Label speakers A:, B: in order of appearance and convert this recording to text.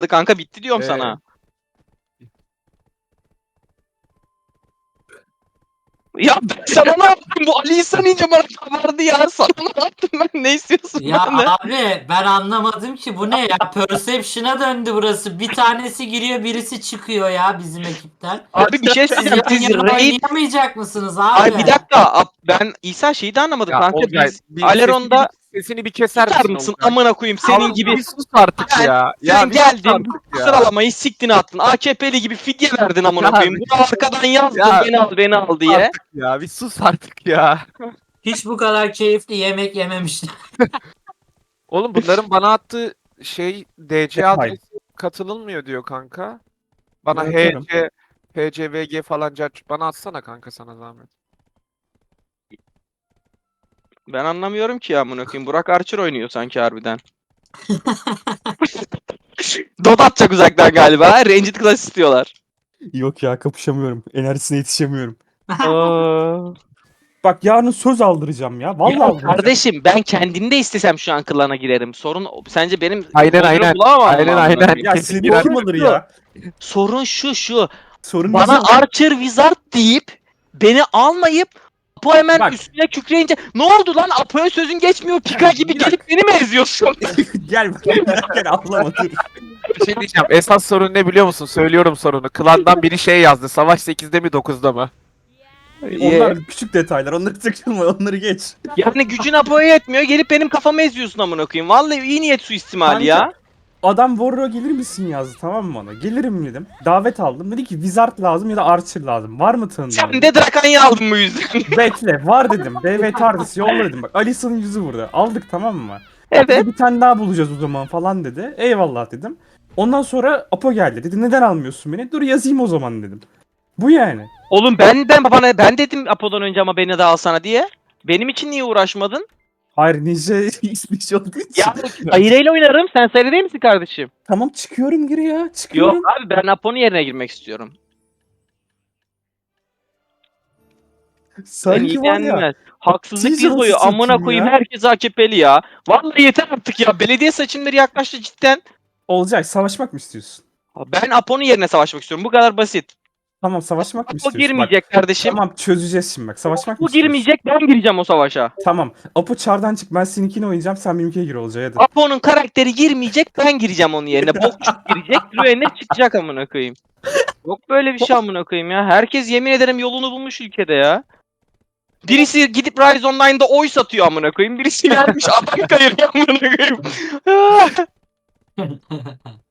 A: kanka bitti diyorum sana. Ya ben sana ne yaptım? Bu Ali İhsan ince bana kabardı ya. Sana ne yaptım ben? Ne istiyorsun
B: Ya
A: benden?
B: abi ben anlamadım ki bu ne ya? Perception'a döndü burası. Bir tanesi giriyor birisi çıkıyor ya bizim ekipten.
A: Abi bir şey
B: Siz
A: söyleyeceğim.
B: yan
A: Siz
B: yana
A: raid...
B: oynayamayacak mısınız
A: Ay
B: abi?
A: bir dakika. Ben İhsan şeyi de anlamadım
C: Ya
A: kanka.
C: Olcay
A: Biz
C: bir
A: Aleron'da
C: sesini bir keser
A: tutar
C: misin
A: mısın
C: Olcay?
A: amına koyayım senin
C: Abi
A: gibi.
C: bir sus artık
A: Ben,
C: ya.
A: sen
C: Ya bir sus
A: geldin
C: artık
A: bu
C: ya.
A: sıralamayı siktin attın. AKP'li gibi fidye verdin amına
C: Ya
A: koyayım. Bunu arkadan yazdın
C: Ya
A: beni al diye.
C: artık ya. Bir sus artık ya.
B: Hiç bu kadar keyifli yemek yememiştim.
C: Oğlum bunların bana attığı şey DC
D: Detay.
C: adresi katılınmıyor diyor kanka. Bana
D: Evet, atarım.
C: HC, PCVG falan bana atsana kanka sana zahmet.
A: Ben anlamıyorum ki ya amına koyayım. Burak Archer oynuyor sanki harbiden. Dot atacak uzaktan galiba. Ranged Class istiyorlar.
D: Yok ya, kapışamıyorum. Enerjisine yetişemiyorum.
A: Aa.
D: Bak, yarın söz aldıracağım ya. Vallahi
A: Ya
D: aldıracağım.
A: kardeşim ben kendim de istesem şu an klana girerim. Sorun sence benim
C: Aynen,
A: futbolcumu
C: aynen.
A: bulamam mı
C: Aynen,
A: amına
C: aynen.
A: koyayım?
D: Ya
C: Kesin
D: seni
C: girer.
D: kim alır ya?
A: Sorun şu.
D: Sorun
A: Bana
D: bizim.
A: Archer Wizard deyip beni almayıp Apo hemen
D: Bak.
A: üstüne kükreyince ne oldu lan Apo'ya sözün geçmiyor Pika gibi
D: Bir dakika.
A: gelip beni mi eziyorsun?
D: Gel gel atlama dur.
C: Bir şey diyeceğim. Esas sorun ne biliyor musun? Söylüyorum sorunu. Klandan biri şey yazdı. Savaş 8'de mi 9'da mı?
D: Onlar küçük detaylar. Onları takılma. Onları geç.
A: Yani gücün Apo'ya yetmiyor gelip benim kafamı eziyorsun amına koyayım. Vallahi iyi niyet suistimali ya.
D: Kanka, adam Warrior'a gelir misin yazdı, tamam mı bana? Gelirim dedim. Davet aldım. Dedi ki Wizard lazım ya da Archer lazım. Var mı tanıdığın?
A: Sen de Drakanya'yı aldın bu yüzden.
D: Bekle, var dedim. BV TARDIS yolla dedim. Bak, Alisa'nın yüzü burada. Aldık, tamam mı?
A: Evet.
D: Dedi, bir tane daha bulacağız o zaman falan dedi. Eyvallah dedim. Ondan sonra Apo geldi. Dedi neden almıyorsun beni? Dur yazayım o zaman dedim. Bu yani.
A: Oğlum ben dedim Apo'dan önce ama beni de alsana diye. Benim için niye uğraşmadın?
D: Hayır, Ninja ismi olduğu için.
A: Ya Sayre'yle oynarım. Sen Sayre değil misin kardeşim?
D: Tamam, çıkıyorum geri ya. Çıkıyorum.
A: Yok abi ben Apo'nun yerine girmek istiyorum. Sen
D: Sanki var ya.
A: ilgilenmez. Haksızlık
D: Teaser'ı
A: yıl boyu amına
D: satayım
A: koyayım
D: ya.
A: herkes AKP'li ya. Vallahi yeter artık ya. Belediye seçimleri yaklaştı cidden.
D: Olcay, savaşmak mı istiyorsun?
A: Ben Apo'nun yerine savaşmak istiyorum. Bu kadar basit.
D: Tamam, savaşmak mı
A: Apo
D: istiyorsun?
A: girmeyecek kardeşim.
D: Tamam, çözeceğiz şimdi bak. Savaşmak mı
A: Bu
D: istiyorsun?
A: girmeyecek ben gireceğim o savaşa.
D: Tamam. Apo çardan çık. Ben seninkini oynayacağım. Sen benimkine gir Olcay hadi.
A: Apo'nun karakteri girmeyecek ben gireceğim onun yerine. Bokçuk girecek. Rüener çıkacak amına koyayım. Yok böyle bir şey amına koyayım ya. Herkes yemin ederim yolunu bulmuş ülkede ya. Birisi gidip Rise Online'da oy satıyor amına koyayım. Birisi gelmiş adam kayırıyor amına koyayım.